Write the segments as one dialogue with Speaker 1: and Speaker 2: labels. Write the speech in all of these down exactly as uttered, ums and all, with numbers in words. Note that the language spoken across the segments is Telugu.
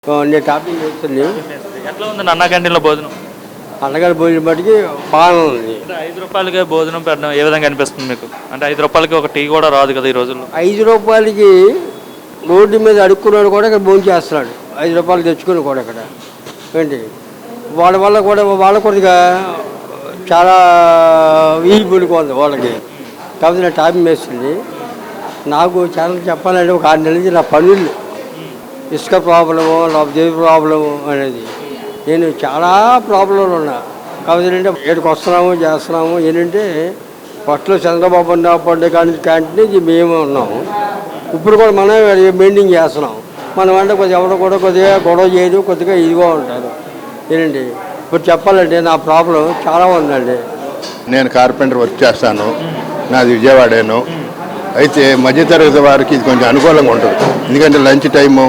Speaker 1: నేను టాపింగ్ చేస్తుంది.
Speaker 2: ఎట్లా ఉంది అన్నా క్యాంటీన్లో భోజనం?
Speaker 1: అన్నగారి భోజనం బట్టికి బాగానే ఉంది.
Speaker 2: అంటే ఐదు రూపాయలకే భోజనం పెట్టడం ఏ విధంగా అనిపిస్తుంది మీకు? అంటే ఐదు రూపాయలకి ఒక టీ కూడా రాదు కదా ఈ రోజుల్లో.
Speaker 1: ఐదు రూపాయలకి రోడ్డు మీద అడుక్కున్నాడు కూడా ఇక్కడ భోజనం చేస్తున్నాడు. ఐదు రూపాయలు తెచ్చుకుని కూడా ఇక్కడ ఏంటి వాళ్ళ వల్ల కూడా వాళ్ళ కొద్దిగా చాలా వీలు ఉంది వాళ్ళకి. కాబట్టి నా టాపింగ్ వేస్తుంది. నాకు చాలా చెప్పాలంటే ఒక ఆరు నెలల నుంచి నా పనులు ఇసుక ప్రాబ్లము లేకపోతే ప్రాబ్లము అనేది నేను చాలా ప్రాబ్లంలు ఉన్నా. కాబట్టి ఏంటంటే ఏడుకు వస్తున్నాము చేస్తున్నాము. ఏంటంటే ఫస్ట్లో చంద్రబాబు పండుగ కానీ క్యాంటీన్ మేము ఉన్నాము. ఇప్పుడు కూడా మనం మెయింటైన్ చేస్తున్నాం. మనం అంటే కొద్దిగా ఎవరు కూడా కొద్దిగా గొడవ చేయదు, కొద్దిగా ఇదిగా ఉంటారు. ఏంటండి ఇప్పుడు చెప్పాలంటే నా ప్రాబ్లం చాలా ఉందండి.
Speaker 3: నేను కార్పెంటర్ వర్క్ చేస్తాను, నాది విజయవాడేను. అయితే మధ్యతరగతి వారికి ఇది కొంచెం అనుకూలంగా ఉంటుంది. ఎందుకంటే లంచ్ టైము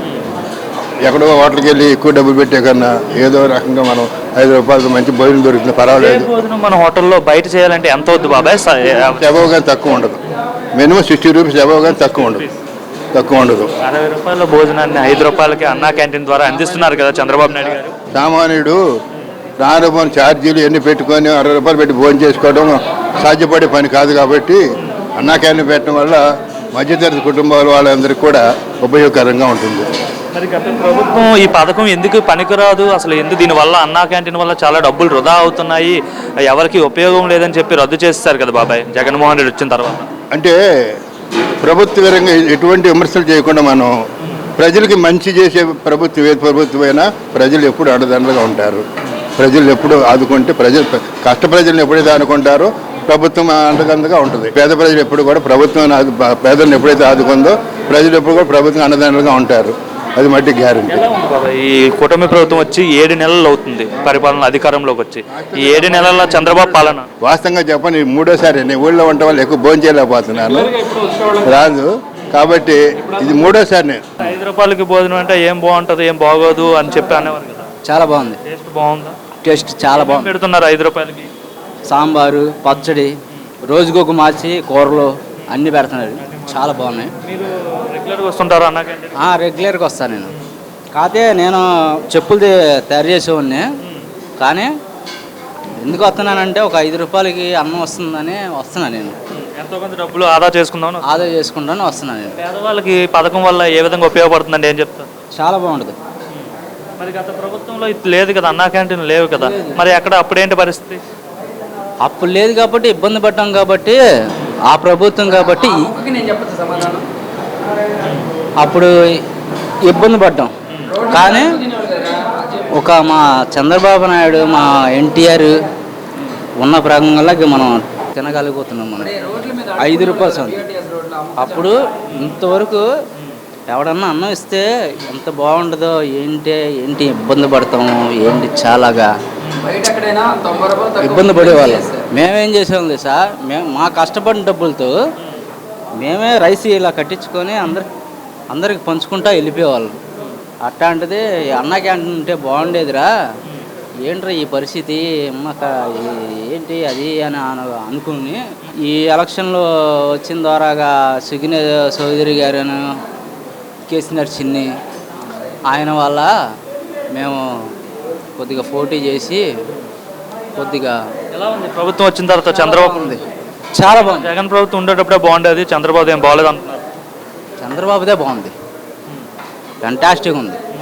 Speaker 3: ఎక్కడో హోటల్కి వెళ్ళి ఎక్కువ డబ్బులు పెట్టే కన్నా ఏదో రకంగా మనం ఐదు రూపాయలకి మంచి భోజనం దొరుకుతుంది, పర్వాలేదు.
Speaker 2: భోజనం మన హోటల్లో బయట చేయాలంటే ఎంత వద్దు బాబాయ్?
Speaker 3: అబవ్ కానీ తక్కువ ఉండదు. మినిమం సిక్స్టీ రూపీస్ అబవ్ కానీ తక్కువ ఉండదు తక్కువ ఉండదు
Speaker 2: అరవై రూపాయల భోజనాన్ని ఐదు రూపాయలకి అన్నా క్యాంటీన్ ద్వారా అందిస్తున్నారు కదా చంద్రబాబు నాయుడు గారు.
Speaker 3: సామాన్యుడు రాను ఛార్జీలు ఎన్ని పెట్టుకొని అరవై రూపాయలు పెట్టి భోజనం చేసుకోవడం సాధ్యపడే పని కాదు. కాబట్టి అన్నా క్యాంటీన్ పెట్టడం వల్ల మధ్యతరగతి కుటుంబాల వాళ్ళందరికీ కూడా ఉపయోగకరంగా ఉంటుంది.
Speaker 2: మరి గత ప్రభుత్వం ఈ పథకం ఎందుకు పనికిరాదు, అసలు ఎందుకు దీనివల్ల అన్నా క్యాంటీన్ వల్ల చాలా డబ్బులు వృధా అవుతున్నాయి, ఎవరికి ఉపయోగం లేదని చెప్పి రద్దు చేస్తారు కదా బాబాయ్ జగన్మోహన్ రెడ్డి వచ్చిన తర్వాత?
Speaker 3: అంటే ప్రభుత్వ పరంగా ఎటువంటి విమర్శలు చేయకుండా మనం ప్రజలకి మంచి చేసే ప్రభుత్వం ఏ ప్రభుత్వమైనా ప్రజలు ఎప్పుడు అండదండగా ఉంటారు. ప్రజలు ఎప్పుడు ఆదుకుంటే ప్రజలు కష్ట ప్రజలను ఎప్పుడైతే ఆదుకుంటారో ప్రభుత్వం అండదండగా ఉంటుంది. పేద ప్రజలు ఎప్పుడు కూడా ప్రభుత్వం పేదలను ఎప్పుడైతే ఆదుకుందో ప్రజలు ఎప్పుడు కూడా ప్రభుత్వం అండదండగా ఉంటారు. అది మట్టి గ్యారెంటీ.
Speaker 2: ఈ కూటమి ప్రభుత్వం వచ్చి ఏడు నెలలు అవుతుంది పరిపాలన అధికారంలోకి వచ్చి. ఈ ఏడు నెలల చంద్రబాబు పాలన
Speaker 3: వాస్తవంగా చెప్పని మూడోసారి నేను ఊళ్ళో వంట వాళ్ళు ఎక్కువ భోజనం చేయలేకపోతున్నాను, రాదు. కాబట్టి ఇది మూడోసారి. నేను
Speaker 2: ఐదు రూపాయలకి భోజనం అంటే ఏం బాగుంటుంది ఏం బాగోదు అని చెప్పి అనేవారు కదా.
Speaker 4: చాలా బాగుంది.
Speaker 2: టేస్ట్ బాగుందా?
Speaker 4: టేస్ట్ చాలా బాగుంది.
Speaker 2: పెడుతున్నారు ఐదు రూపాయలకి
Speaker 4: సాంబారు, పచ్చడి, రోజుకొక మార్చి కూరలు అన్నీ పెడుతున్నారు. చాలా బాగున్నాయి.
Speaker 2: మీరు రెగ్యులర్గా వస్తుంటారు అన్నా క్యాంటీన్?
Speaker 4: రెగ్యులర్గా వస్తాను నేను. కాకపోతే నేను చెప్పులు తయారు చేసేవాడిని. కానీ ఎందుకు వస్తున్నానంటే ఒక ఐదు రూపాయలకి అన్నం వస్తుందని వస్తున్నాను నేను.
Speaker 2: ఎంతో కొంత డబ్బులు ఆదా చేసుకుందాం
Speaker 4: ఆదా చేసుకుంటాను వస్తున్నాను నేను.
Speaker 2: పేదవాళ్ళకి పథకం వల్ల ఏ విధంగా ఉపయోగపడుతుందండి ఏం చెప్తారు?
Speaker 4: చాలా బాగుంటుంది.
Speaker 2: మరి గత ప్రభుత్వంలో ఇది లేదు కదా, అన్నా క్యాంటీన్ లేవు కదా, మరి అక్కడ అప్పుడేంటి పరిస్థితి?
Speaker 4: అప్పుడు లేదు కాబట్టి ఇబ్బంది పడ్డాం. కాబట్టి ఆ ప్రభుత్వం కాబట్టి అప్పుడు ఇబ్బంది పడ్డాం. కానీ ఒక మా చంద్రబాబు నాయుడు మా ఎన్టీఆర్ ఉన్న ప్రకంగా మనం తినగలిగిపోతున్నాం. మనం ఐదు రూపాయలు సొంత అప్పుడు ఇంతవరకు ఎవడన్నా అన్నం ఇస్తే ఎంత బాగుంటుందో ఏంటి ఏంటి ఇబ్బంది పడతాము ఏంటి చాలాగా ఇబ్బంది పడేవాళ్ళం. మేమేం చేసేవాళ్ళం సార్, మేము మా కష్టపడిన డబ్బులతో మేమే రైస్ ఇలా కట్టించుకొని అందరి అందరికి పంచుకుంటా వెళ్ళిపోయేవాళ్ళం. అట్లాంటిది అన్నా క్యాంటీన్ ఉంటే బాగుండేదిరా, ఏంట్రా ఈ పరిస్థితి అమ్మక ఏంటి అది అని అనుకుని ఈ ఎలక్షన్లో వచ్చిన ద్వారాగా సుగిన చౌదరి గారు, కేసీఆర్ చిన్ని ఆయన వల్ల మేము కొద్దిగా పోటీ చేసి కొద్దిగా.
Speaker 2: ఎలా ఉంది ప్రభుత్వం వచ్చిన తర్వాత? చంద్రబాబు ఉంది
Speaker 4: చాలా బాగుంది.
Speaker 2: జగన్ ప్రభుత్వం ఉండేటప్పుడే బాగుండేది, చంద్రబాబు ఏం బాగోలేదు అంటున్నారు.
Speaker 4: చంద్రబాబుదే బాగుంది, ఫెంటాస్టిక్ ఉంది.